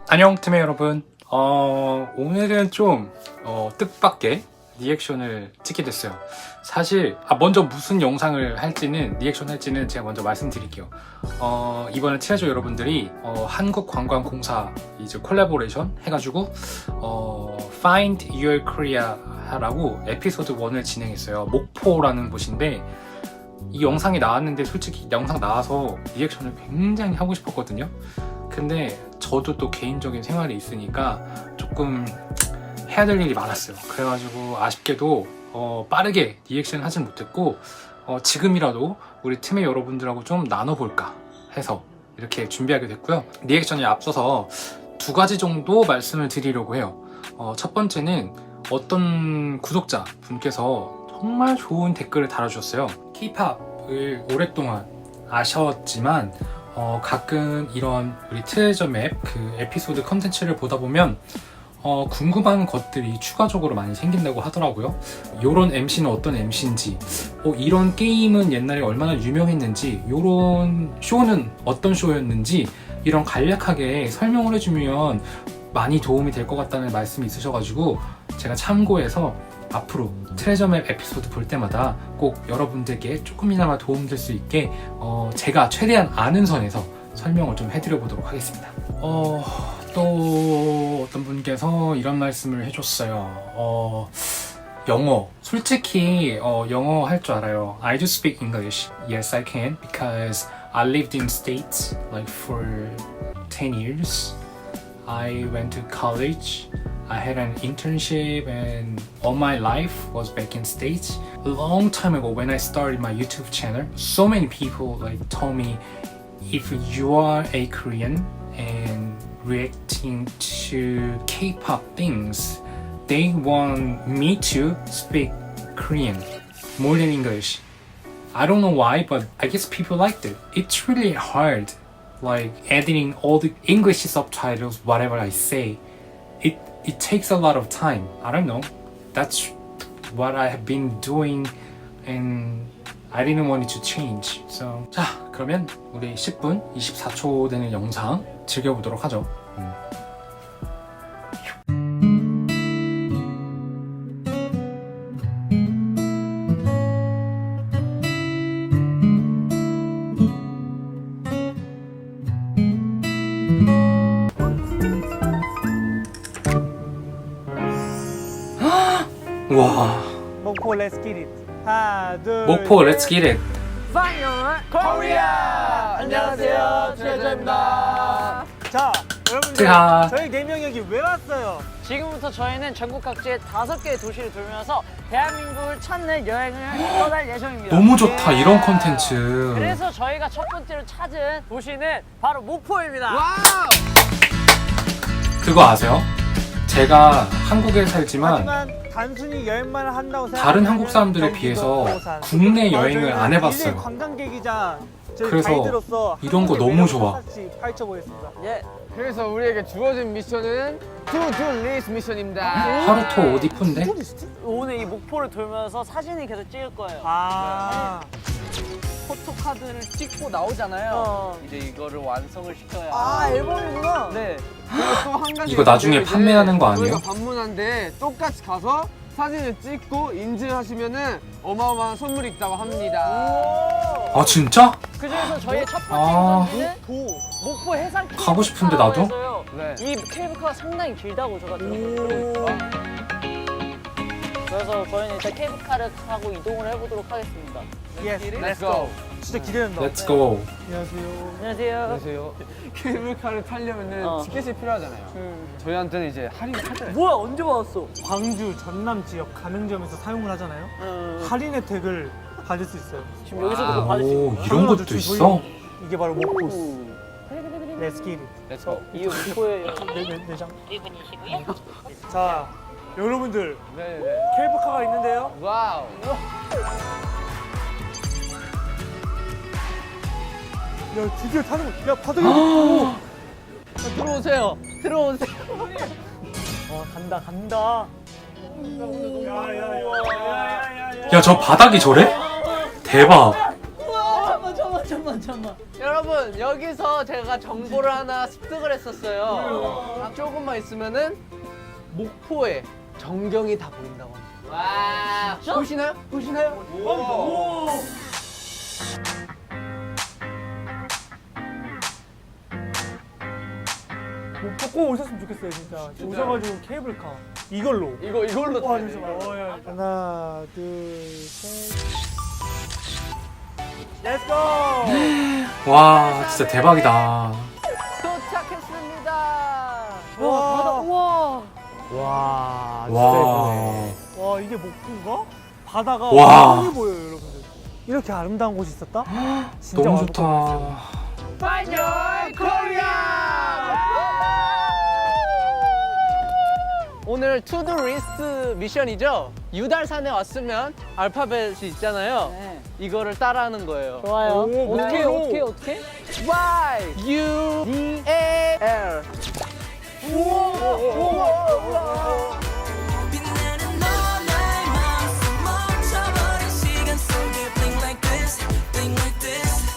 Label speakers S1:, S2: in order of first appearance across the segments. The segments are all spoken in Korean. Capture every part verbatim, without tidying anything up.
S1: 안녕 팀의 여러분. 어, 오늘은 좀 어, 뜻밖의 리액션을 찍게 됐어요. 사실 아, 먼저 무슨 영상을 할지는 리액션 할지는 제가 먼저 말씀드릴게요. 어, 이번에 트레저 여러분들이 어, 한국관광공사 이제 콜라보레이션 해가지고 어, Find Your Korea라고 에피소드 일을 진행했어요. 목포라는 곳인데 이 영상이 나왔는데 솔직히 영상 나와서 리액션을 굉장히 하고 싶었거든요. 근데 저도 또 개인적인 생활이 있으니까 조금 해야 될 일이 많았어요. 그래가지고 아쉽게도 어, 빠르게 리액션 하진 못했고 어, 지금이라도 우리 팀의 여러분들하고 좀 나눠볼까 해서 이렇게 준비하게 됐고요. 리액션에 앞서서 두 가지 정도 말씀을 드리려고 해요. 어, 첫 번째는 어떤 구독자 분께서 정말 좋은 댓글을 달아주셨어요. K-팝을 오랫동안 아셨지만 어, 가끔 이런 우리 트레저 맵 그 에피소드 컨텐츠를 보다 보면 어, 궁금한 것들이 추가적으로 많이 생긴다고 하더라고요. 요런 엠씨는 어떤 엠씨인지, 어, 이런 게임은 옛날에 얼마나 유명했는지, 요런 쇼는 어떤 쇼였는지 이런 간략하게 설명을 해주면 많이 도움이 될 것 같다는 말씀이 있으셔가지고 제가 참고해서 앞으로 트레저 맵 에피소드 볼 때마다 꼭 여러분들께 조금이나마 도움될 수 있게 어, 제가 최대한 아는 선에서 설명을 좀 해드려 보도록 하겠습니다. 어, 또 어떤 분께서 이런 말씀을 해줬어요. 어, 영어. 솔직히 어, 영어 할 줄 알아요. I do speak English. Yes, I can because I lived in States like for ten years. I went to college. I had an internship and all my life was back in States. A long time ago when I started my YouTube channel, so many people like told me if you are a Korean and reacting to K-pop things, they want me to speak Korean more than English. I don't know why, but I guess people liked it. It's really hard, like editing all the English subtitles, whatever I say. It It takes a lot of time. I don't know. That's what I have been doing and I didn't want it to change. So, 자, 그러면 우리 십 분 이십사 초 되는 영상 즐겨보도록 하죠. 음. 와.
S2: 목포 Let's get it. 하나, 둘,
S1: 목포 Let's get it.
S2: 파이널 코리아. 안녕하세요, 트레저입니다. 자, 여러분들,
S1: 자.
S2: 저희 네 명 여기 왜 왔어요?
S3: 지금부터 저희는 전국 각지의 다섯 개의 도시를 돌면서 대한민국을 찾는 여행을 떠날 예정입니다.
S1: 너무 좋다,
S3: 예.
S1: 이런 컨텐츠.
S3: 그래서 저희가 첫 번째로 찾은 도시는 바로 목포입니다. 와우!
S1: 그거 아세요? 제가 한국에 살지만
S2: 하지만 단순히 여행만 한다고 생각.
S1: 다른 한국 사람들에 비해서 국내 여행을 안 해봤어요.
S2: 관광객이자 저희
S1: 그래서
S2: 가이드로서
S1: 이런 거 너무 좋아.
S2: 파헤쳐보겠습니다.
S3: 예.
S4: 그래서 우리에게 주어진 미션은 투두 리스트 미션입니다.
S1: 하루토 옷 이쁜데?
S3: 오늘 이 목포를 돌면서 사진을 계속 찍을 거예요.
S2: 아,
S4: 포토카드를 찍고 나오잖아요.
S3: 어.
S4: 이제 이거를 완성을 시켜야.
S3: 아, 앨범이구나.
S4: 네. 그리고 또 한 가지.
S1: 이거 나중에
S4: 이제
S1: 판매하는 거 아니에요?
S4: 저희가 방문한데 똑같이 가서 사진을 찍고 인증하시면은 어마어마한 선물이 있다고 합니다.
S1: 아 진짜?
S3: 그 중에서 저희의 첫 번째
S1: 아.
S3: 미션은
S2: 도.
S3: 목포 해상
S1: 가고 싶은데, 나도?
S3: 케이블카에서요.
S4: 네.
S3: 이 케이블카가 상당히 길다고 제가 들었거든요. 그래서 저희는 이제 케이블카를 타고 이동을 해보도록 하겠습니다.
S2: 예스,
S4: Let's go.
S2: 진짜 기대된다.
S1: Let's go.
S2: 안녕하세요.
S3: 안녕하세요.
S4: 안녕하세요. 케이블카를 타려면은
S3: 어.
S4: 티켓이 필요하잖아요.
S3: 음.
S4: 저희한테는 이제 할인을 하잖아요.
S3: 뭐야, 언제 받았어?
S2: 광주, 전남 지역 가맹점에서 사용을 하잖아요.
S3: 음.
S2: 할인 혜택을 받을 수 있어요.
S3: 지금 여기서도
S1: 아,
S3: 그거 받을 수
S1: 오,
S3: 있는
S1: 이런 것도
S2: 저희-
S1: 있어?
S2: 이게 바로 목포스.
S3: 오.
S2: Let's get it.
S4: Let's go.
S3: 이 목포의
S2: 네, 네, 네 장.
S3: 이분이시고요.
S2: 자, 여러분들
S4: 네네.
S2: 케이블카가 있는데요.
S4: 와우.
S2: 야, 드디어 타는 거. 야, 바닥에. 오.
S3: 들어오세요. 들어오세요.
S2: 어, 간다, 간다. 야야야야야야야.
S1: 야 저 바닥이 저래? 대박.
S3: 우와, 잠깐만, 잠깐만, 잠깐만. 여러분,
S4: 여기서 제가 정보를 하나 습득을 했었어요. 아, 조금만 있으면은 목포에 전경이 다 보인다고 합니다. 와, 보시나요? 보시나요?
S2: 오. 목포 꼭 오셨으면 좋겠어요 진짜. 오셔가지고 케이블카 이걸로.
S4: 이거 이걸로
S2: 와
S4: 타야
S2: 잠시만.
S4: 돼요.
S2: 어, 야. 하나 둘 셋. 렛츠고.
S1: 와 진짜 대박이다.
S4: 도착했습니다.
S2: 와 바다 우와.
S4: 와,
S1: 와.
S2: 와 이게 목포인가? 바다가
S1: 와.
S2: 완전히 보여요 여러분들. 이렇게 아름다운 곳이 있었다? 진짜
S1: 너무
S2: 와볼 것
S1: 좋다.
S4: 파이널 코리아! 오늘 투두 리스트 미션이죠? 유달산에 왔으면 알파벳이 있잖아요.
S3: 네.
S4: 이거를 따라하는 거예요.
S3: 좋아요.
S2: 오,
S3: 어떻게
S2: 뭐야,
S3: 어떻게
S2: 이거.
S3: 어떻게?
S4: Y U D A L.
S5: 빛나는 너 나의 마음속 멈춰버린 시간 속에 blink like this, blink like this.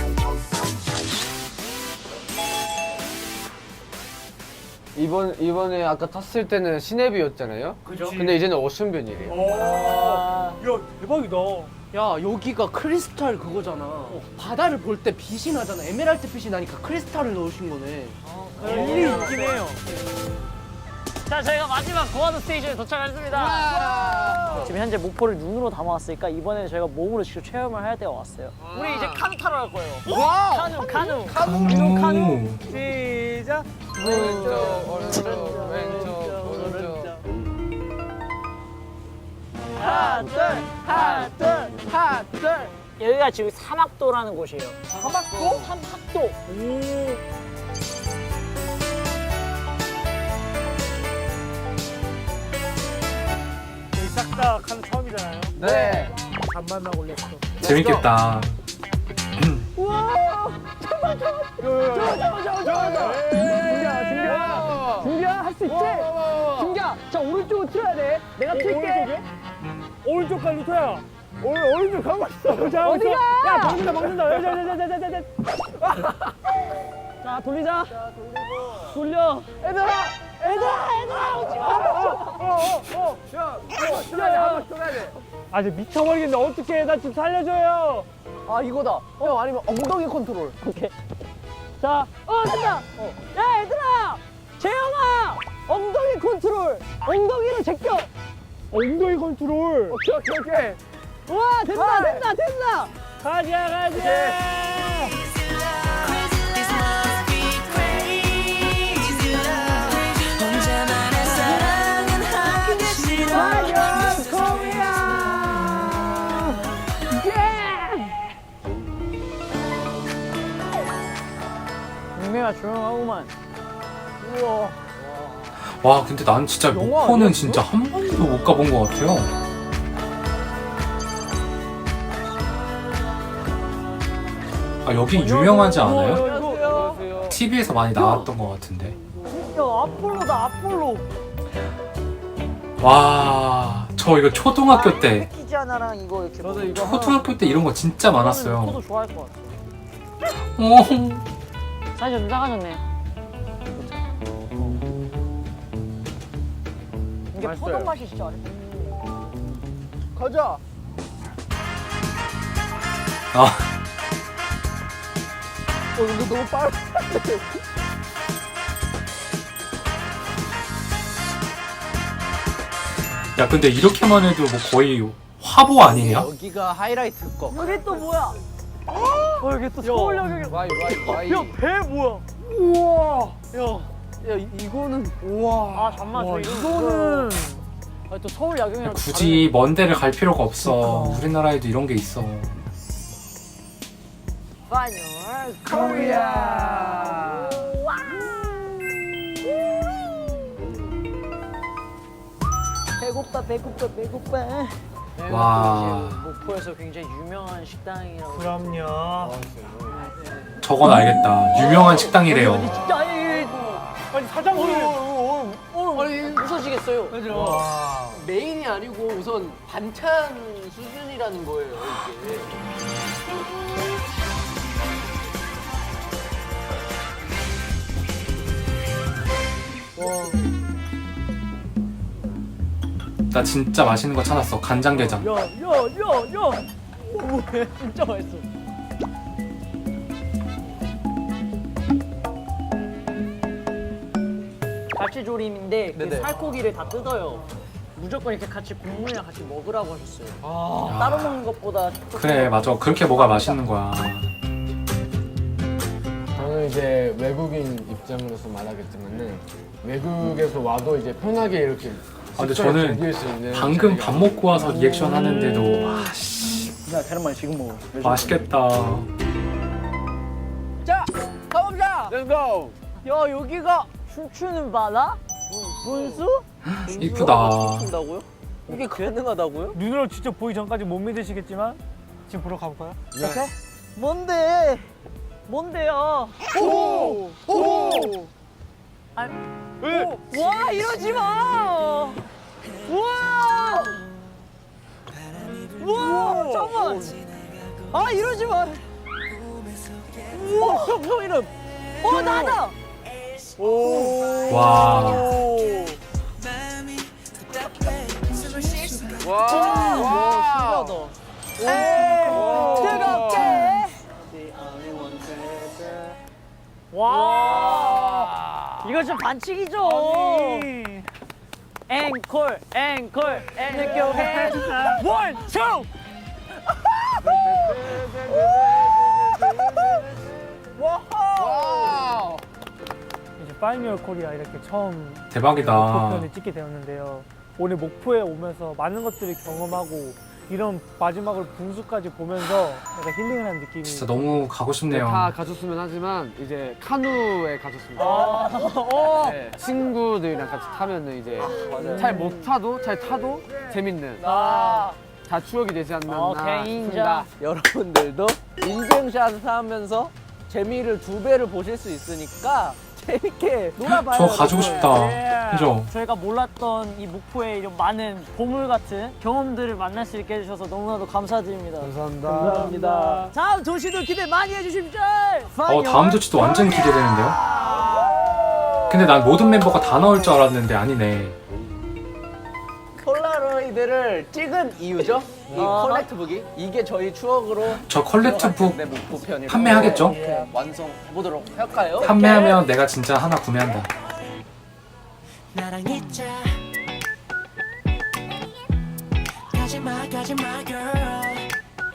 S4: 이번 이번에 아까 탔을 때는 시내뷰였잖아요.
S2: 그죠?
S4: 근데 이제는 오션뷰이래요.
S2: 오. 야 대박이다.
S4: 야, 여기가 크리스탈 그거잖아. 바다를 볼 때 빛이 나잖아. 에메랄드 빛이 나니까 크리스탈을 넣으신 거네.
S2: 일리 있긴 해요.
S3: 자, 저희가 마지막 고아도 스테이션에 도착했습니다. 지금 현재 목포를 눈으로 담아왔으니까 이번에 저희가 몸으로 직접 체험을 해야 때가 왔어요. 우리 이제 카누 타러 갈 거예요. 카누, 카누.
S1: 카누.
S3: 카누.
S2: 시작.
S4: 왼쪽, 오른쪽, 왼쪽, 오른쪽.
S3: 하나, 둘, 하나, 둘, 하나, 둘. 여기가 지금 사막도라는 곳이에요. 사막도? 사막도.
S2: 오. 저희 싹다 카누 처음이잖아요.
S4: 네.
S2: 간만만 올렸어.
S1: 재밌겠다.
S2: 준비야, 준비야, 할 수 있지? 준비야, 자 오른쪽으로 틀어야 돼. 내가 틀게. 오른쪽 가 루터야. 오, 오른쪽 가고 있어. 자, 어디가? 야, 먹는다, 먹는다. 자, 자, 자, 자, 자, 자. 자, 돌리자. 자, 돌리고. 돌려. 얘들아, 얘들아, 얘들아, 오지 마. 어, 어, 어, 야, 야, 야, 한번 돌아야 돼. 아, 이제 미쳐버리겠네. 어떡해, 나 좀 살려줘요.
S4: 아, 이거다. 형, 아니면 엉덩이 컨트롤.
S3: 오케이. 자, 어, 된다. 어. 야, 얘들아! 재영아! 엉덩이 컨트롤! 엉덩이로 제껴!
S2: 엉덩이 컨트롤.
S4: 오케이, 오케이, 오케이.
S3: 우와, 된다, 된다, 된다!
S2: 가자, 가자.
S5: This must be crazy love. 혼자만의 사랑은 하기 싫어.
S3: 분명히 조용하구만.
S2: 우와.
S1: 와 근데 난 진짜 목포는 진짜 한 번도 못 가본 것 같아요. 아 여기 유명하지 않아요?
S2: 안녕하세요.
S1: 티비에서 많이 나왔던 것 같은데.
S3: 야, 아폴로다, 아폴로.
S1: 와 저 이거 초등학교 때
S3: 패키지 하나랑 이거 이렇게.
S4: 저도 이거
S1: 초등학교 때 이런 거 진짜 많았어요.
S3: 저도 좋아할 것 같아.
S1: 어.
S3: 사이즈 좀 작아졌네. 이게
S4: 맛있어요.
S3: 포도 맛이 진짜 아래.
S4: 가자.
S1: 아,
S4: 어, 근데 너무 빨라.
S1: 야 근데 이렇게만 해도 뭐 거의 화보 아니냐?
S4: 여기가 하이라이트 거.
S3: 여기 또 뭐야? 어, 여기 또 서울역이.
S4: 와이, 와이, 와이.
S2: 야, 배 뭐야? 우와.
S4: 야, 이- 이거는.
S3: 아, 잠만 저
S2: 와,
S3: 이거.
S2: 이거는
S3: 아, 또 서울 야경이랑
S1: 굳이 먼 데를 갈 필요가 없어. 우리나라에도 이런 게 있어.
S3: 파이널
S4: 코리아.
S3: 배고파, 배고파, 배고파.
S1: 와.
S3: 목포에서 굉장히 유명한 식당이라고.
S2: 그럼요.
S1: 저건 알겠다. 유명한 식당이래요.
S3: 진짜 아니,
S2: 아니 사장님.
S3: 아니 웃어지겠어요.
S2: 와.
S4: 메인이 아니고 우선 반찬 수준이라는 거예요, 이게.
S1: 나 진짜 맛있는 거 찾았어. 간장게장.
S3: 야, 야, 야, 야. 오, 진짜 맛있어. 갈치조림인데 그
S4: 네네.
S3: 살코기를 다 뜯어요. 무조건 이렇게 같이 국물이랑 같이 먹으라고 하셨어요.
S4: 아.
S3: 따로 먹는 것보다
S1: 그래 맞아. 그렇게 뭐가 맛있는 거야.
S2: 저는 이제 외국인 입장으로서 말하겠지만은 외국에서 와도 이제 편하게 이렇게
S1: 아, 근데
S2: 식사를
S1: 저는
S2: 즐길 수 있는
S1: 방금
S2: 자리가
S1: 밥 먹고 와서 리액션 하는데도 와 씨,
S3: 야, 계란말 지금 먹어.
S1: 맛있겠다.
S3: 자, 가봅시다.
S2: Let's go!
S3: 야, 여기가 춤추는 바다? 분수?
S1: 이쁘다.
S3: 춘다고요? 이게 가능하다고요?
S2: 눈으로 직접 보기 전까지 못 믿으시겠지만 지금 보러 가볼까요?
S3: 오케이. 뭔데? 뭔데요?
S2: 오! 오!
S3: 아, 오, 와, 이러지 마! 우와! 우와, 잠깐만! 아, 이러지 마! 우와, 형, 형 이름! 어, 나다!
S1: 와.
S2: 와!
S3: 와, 신기하다. 뜨겁게! 와! 이거 좀 반칙이죠? 앵콜, 앵콜, 앵콜, 원, 투!
S2: 와우!
S6: 이제 파이미어 코리아 이렇게 처음
S1: 대박이다.
S6: 목표편을 찍게 되었는데요. 오늘 목포에 오면서 많은 것들을 경험하고 이런 마지막으로 분수까지 보면서 약간 힐링을 한 느낌이
S1: 진짜 너무 가고 싶네요.
S2: 다 가졌으면 하지만 이제 카누에 가졌습니다.
S3: 어.
S2: 네, 친구들이랑 같이 타면은 이제 잘 못 타도 잘 타도 재밌는
S3: 아,
S2: 다 추억이 되지 않나
S3: 오케이, 인정.
S2: 싶습니다.
S4: 여러분들도 인증샷을 하면서 재미를 두 배를 보실 수 있으니까 재밌게 놀아봐요.
S1: 저 가지고 싶다.
S3: 예.
S1: 그죠?
S3: 저희가 몰랐던 이 목포의 이런 많은 보물 같은 경험들을 만날 수 있게 해주셔서 너무나도 감사드립니다.
S2: 감사합니다.
S3: 감사합니다. 다음 도시도 기대 많이 해주십시오.
S1: 어 다음 조치도 완전 기대되는데요. 근데 난 모든 멤버가 다 나올 줄 알았는데 아니네.
S4: 폴라로이드를 찍은 이유죠? 이
S3: 아.
S4: 컬렉트북이 이게 저희 추억으로
S1: 저 컬렉트북
S4: 내 목표편이고
S1: 판매하겠죠?
S4: 완성해보도록 할까요?
S1: 판매하면 내가 진짜 하나 구매한다.
S5: 나랑 있자 가지마 가지마 girl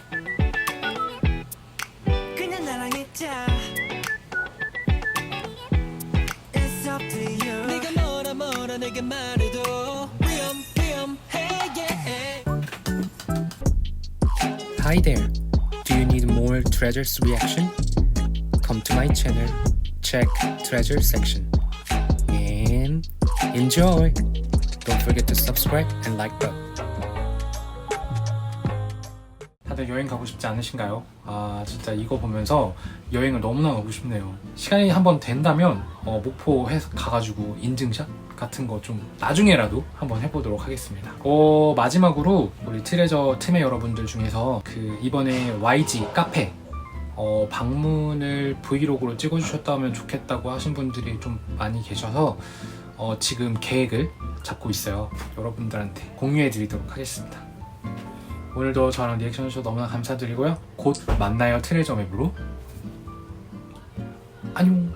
S5: 그냥 나랑 있자 It's up to you 네가 뭐라 뭐라 내게 말해도 위험 위험해 yeah.
S1: Hi there. Do you need more treasures reaction? Come to my channel. Check treasure section. And enjoy. Don't forget to subscribe and like button. 다들 여행 가고 싶지 않으신가요? 아 진짜 이거 보면서 여행을 너무나 가고 싶네요. 시간이 한번 된다면 어, 목포 해 가가지고 인증샷 같은 거 좀 나중에라도 한번 해보도록 하겠습니다. 어, 마지막으로 우리 트레저 틈의 여러분들 중에서 그 이번에 와이지 카페 어, 방문을 브이로그로 찍어주셨다면 좋겠다고 하신 분들이 좀 많이 계셔서 어, 지금 계획을 잡고 있어요. 여러분들한테 공유해드리도록 하겠습니다. 오늘도 저랑 리액션 해주셔서 너무나 감사드리고요. 곧 만나요 트레저 맵으로. 안녕.